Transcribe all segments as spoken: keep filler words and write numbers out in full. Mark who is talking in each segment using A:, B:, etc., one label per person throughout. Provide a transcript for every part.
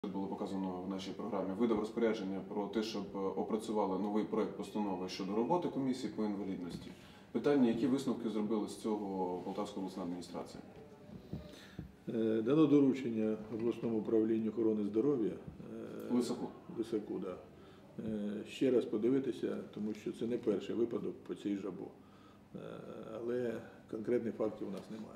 A: Було показано в нашій програмі, видав розпорядження про те, щоб опрацювали новий проєкт постанови щодо роботи комісії по інвалідності. Питання, які висновки зробили з цього Полтавська обласна адміністрація?
B: Дано доручення обласному управлінню охорони здоров'я
A: Лисаку.
B: Лисаку, да. Ще раз подивитися, тому що це не перший випадок по цій жабу. Але конкретних фактів у нас немає.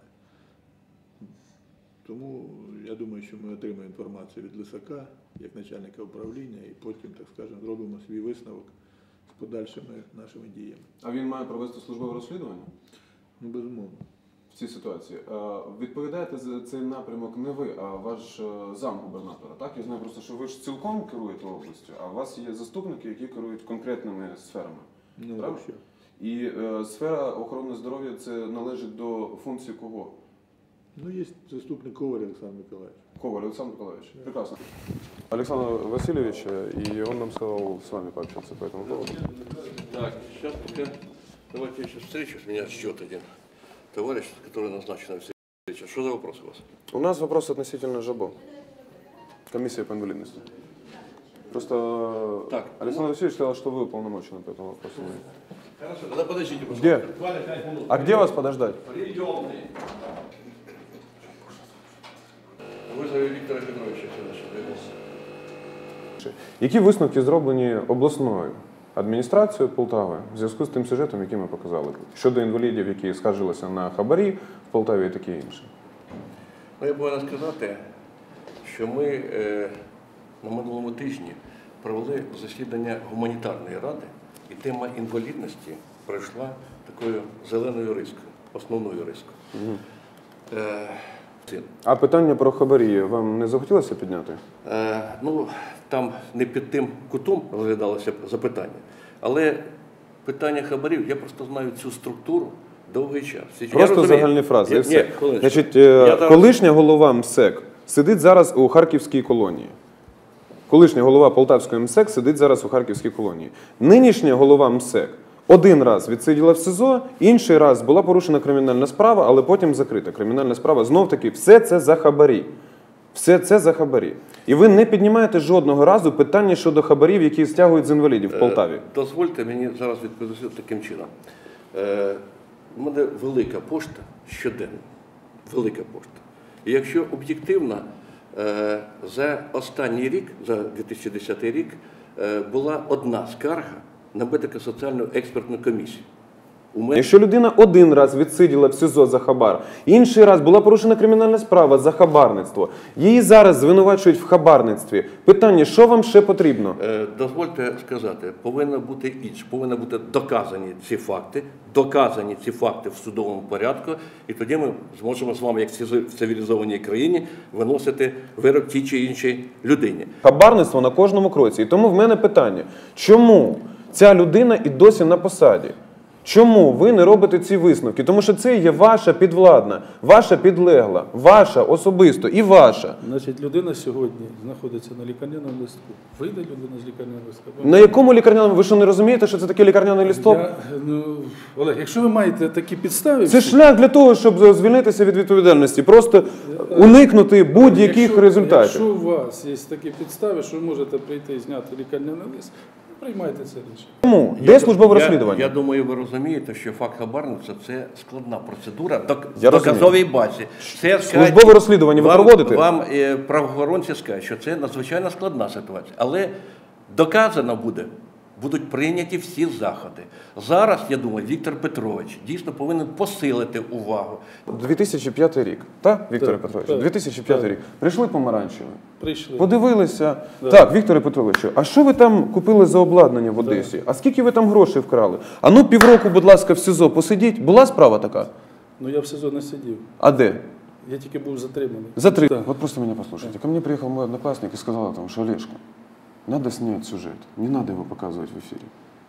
B: Тому я думаю, що ми отримаємо інформацію від Лисака, як начальника управління, і потім, так скажемо, зробимо свій висновок з подальшими нашими діями.
A: А він має провести службове розслідування?
B: Ну, безумовно.
A: В цій ситуації. Відповідаєте за цей напрямок не ви, а ваш замгубернатора, так? Я знаю просто, що ви ж цілком керуєте областю, а у вас є заступники, які керують конкретними сферами.
B: Ну,
A: правильно?
B: що?
A: І е, сфера охорони здоров'я це належить до функції кого?
B: Ну, есть заступник Коваль Александр Николаевич.
A: Коваль Александр Николаевич. Да. Прекрасно. Александр Васильевич, и он нам сказал с вами пообщаться по этому поводу.
C: Так, сейчас пока давайте я сейчас встречу. С меня ждет один товарищ, который назначен на встречу. Что за вопрос у вас?
A: У нас вопрос относительно ЖАБО. Комиссия по инвалидности. Просто
C: так,
A: Александр ну... Васильевич сказал, что вы уполномочены по этому вопросу.
C: Хорошо, тогда подождите, пожалуйста.
A: Где? А где вас подождать?
C: Приемный. Вызови Віктора Петровича сюди.
A: Які висновки зроблені обласною адміністрацією Полтави в зв'язку з тим сюжетом, який ми показали? Щодо інвалідів, які скаржилися на хабарі в Полтаві і таке інше?
C: Ну, я повинен сказати, що ми е, на минулому тижні провели засідання гуманітарної ради, і тема інвалідності пройшла такою зеленою рискою, основною рискою. Угу. Е,
A: А питання про хабарі вам не захотілося підняти?
C: Е, ну, там не під тим кутом розглядалося запитання. Але питання хабарів, я просто знаю цю структуру довгий час.
A: Просто загальні фрази.
C: Я,
A: і все.
C: ні,
A: Значить,
C: я
A: колишня голова МСЕК сидить зараз у Харківській колонії. Колишня голова Полтавської МСЕК сидить зараз у Харківській колонії. Нинішня голова МСЕК один раз відсиділа в СИЗО, інший раз була порушена кримінальна справа, але потім закрита кримінальна справа. Знов-таки, все це за хабарі. Все це за хабарі. І ви не піднімаєте жодного разу питання щодо хабарів, які стягують з інвалідів в Полтаві.
C: Дозвольте мені зараз відповісти таким чином. У мене велика пошта щоденно. Велика пошта. І якщо об'єктивно, за останній рік, за дві тисячі десятий рік, була одна скарга на медико-соціальну експертну комісію. Мене...
A: Якщо людина один раз відсиділа в СИЗО за хабар, інший раз була порушена кримінальна справа за хабарництво, її зараз звинувачують в хабарництві. Питання, що вам ще потрібно?
C: Е, дозвольте сказати, повинно бути інше, повинні бути доказані ці факти, доказані ці факти в судовому порядку, і тоді ми зможемо з вами, як в цивілізованій країні, виносити вирок тій чи іншій людині.
A: Хабарництво на кожному кроці. І тому в мене питання, чому ця людина і досі на посаді? Чому ви не робите ці висновки? Тому що це є ваша підвладна, ваша підлегла, ваша особисто і ваша.
D: Значить, людина сьогодні знаходиться на лікарняному листку. Вийде людина з лікарняного листка?
A: На якому лікарняному? Ви що, не розумієте, що це таке лікарняний листок?
D: Я, ну, Олег, якщо ви маєте такі підстави...
A: Це шлях для того, щоб звільнитися від відповідальності. Просто уникнути будь-яких
D: якщо,
A: результатів.
D: Якщо у вас є такі підстави, що ви можете прийти і зняти лікарняний лист, приймайте це рішення.
A: Чому? Де службове розслідування?
C: Я, я думаю, ви розумієте, що факт хабарництва – це складна процедура в
A: я
C: доказовій базі. Це,
A: службове розслідування ви
C: вам,
A: проводите?
C: Вам е, правоохоронці скажуть, що це надзвичайно складна ситуація. Але доказано буде, будуть прийняті всі заходи. Зараз, я думаю, Віктор Петрович дійсно повинен посилити увагу.
A: дві тисячі п'ятий рік, так, Вікторе
D: так,
A: Петрович?
D: так,
A: дві тисячі п'ятий
D: так.
A: рік. Прийшли помаранчеві.
D: Прийшли.
A: Подивилися.
D: Да.
A: Так, Вікторе Петровичу, а що ви там купили за обладнання в Одесі? А скільки ви там грошей вкрали? А ну півроку, будь ласка, в СИЗО посидіть. Була справа така?
D: Ну, я в СИЗО не сидів.
A: А де?
D: Я тільки був затриманий.
A: Затриманий. Вот просто меня послушайте. Ко мне приехал мой одноклассник и сказал о том, что Олежка, надо снять сюжет. Не надо его показывать в эфире.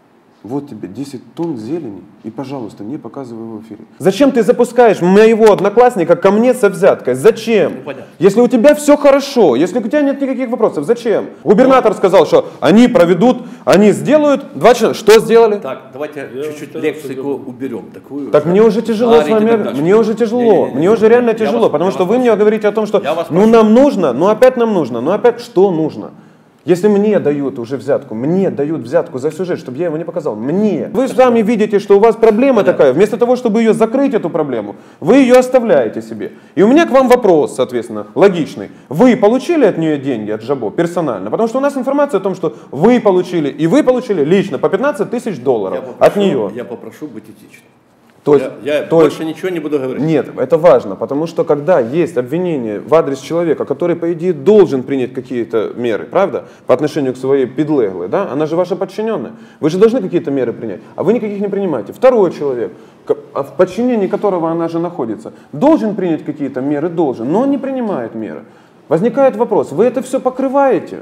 A: вот тебе десять тонн зелени, и, пожалуйста, не показывай его в эфире. Зачем ты запускаешь моего одноклассника ко мне со взяткой? Зачем?
C: Ну, понятно.
A: Если у тебя все хорошо, если у тебя нет никаких вопросов, зачем? Губернатор сказал, что они проведут, они сделают, два члена, что сделали?
C: Так, давайте
D: Я
C: чуть-чуть
D: вам
C: лексику
D: скажу.
C: уберем такую.
A: Так мне уже тяжело с
C: Жарить и
A: вами,
C: так дальше.
A: мне уже тяжело,
C: Не-не-не,
A: мне уже реально
C: я
A: тяжело,
C: вас-
A: потому
C: я
A: что
C: вас
A: вы мне
C: прошу.
A: говорите о том, что
C: Я вас
A: ну
C: прошу.
A: нам нужно, ну опять нам нужно, ну опять что нужно? Если мне дают уже взятку, мне дают взятку за сюжет, чтобы я его не показал, мне. Вы сами видите, что у вас проблема такая, вместо того, чтобы ее закрыть, эту проблему, вы ее оставляете себе. И у меня к вам вопрос, соответственно, логичный. Вы получили от нее деньги, от Жабо, персонально? Потому что у нас информация о том, что вы получили, и вы получили лично по пятнадцать тысяч долларов
C: Я
A: от
C: попрошу-
A: нее.
C: Я попрошу быть этичным.
A: То есть,
C: я я
A: то есть-
C: больше ничего не буду говорить.
A: Нет, это важно, потому что когда есть обвинение в адрес человека, который, по идее, должен принять какие-то меры, правда, по отношению к своей подлеглой, да, она же ваша подчиненная, вы же должны какие-то меры принять, а вы никаких не принимаете. Второй человек, ко- а в подчинении которого она же находится, должен принять какие-то меры, должен, но он не принимает меры. Возникает вопрос, вы это все покрываете?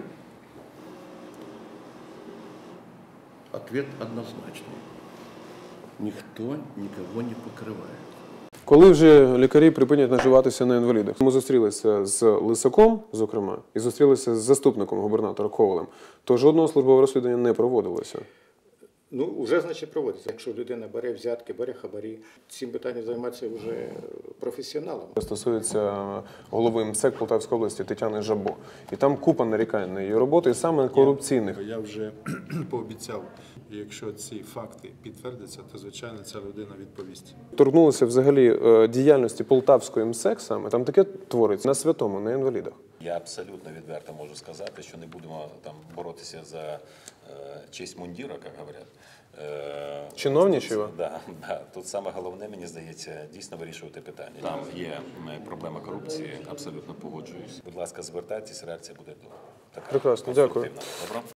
C: Ответ однозначный. Ніхто нікого не покриває.
A: Коли вже лікарі припинять наживатися на інвалідах? Ми зустрілися з Лисаком, зокрема, і зустрілися з заступником губернатора Ковалем, то жодного службового розслідування не проводилося.
E: Ну, вже, значить, проводиться. Якщо людина бере взятки, бере хабарі, цим питанням займаються вже професіоналами.
A: Стосується голови МСЕК Полтавської області Тетяни Жабо. І там купа нарікань на її роботу, і саме корупційних.
F: Я вже пообіцяв, якщо ці факти підтвердяться, то, звичайно, ця людина відповість.
A: Торкнулися взагалі е, діяльності Полтавської МСЕК саме, там таке твориться на святому, на інвалідах.
G: Я абсолютно відверто можу сказати, що не будемо там боротися за е, честь мундіра, як говорять. Е,
A: Чиновничого?
G: Да, да. Тут саме головне, мені здається, дійсно вирішувати питання. Там є м, проблема корупції, абсолютно погоджуюсь. Будь ласка, звертайтесь, реакція буде така
A: Прекрасно, дякую.
G: конструктивна. Добре?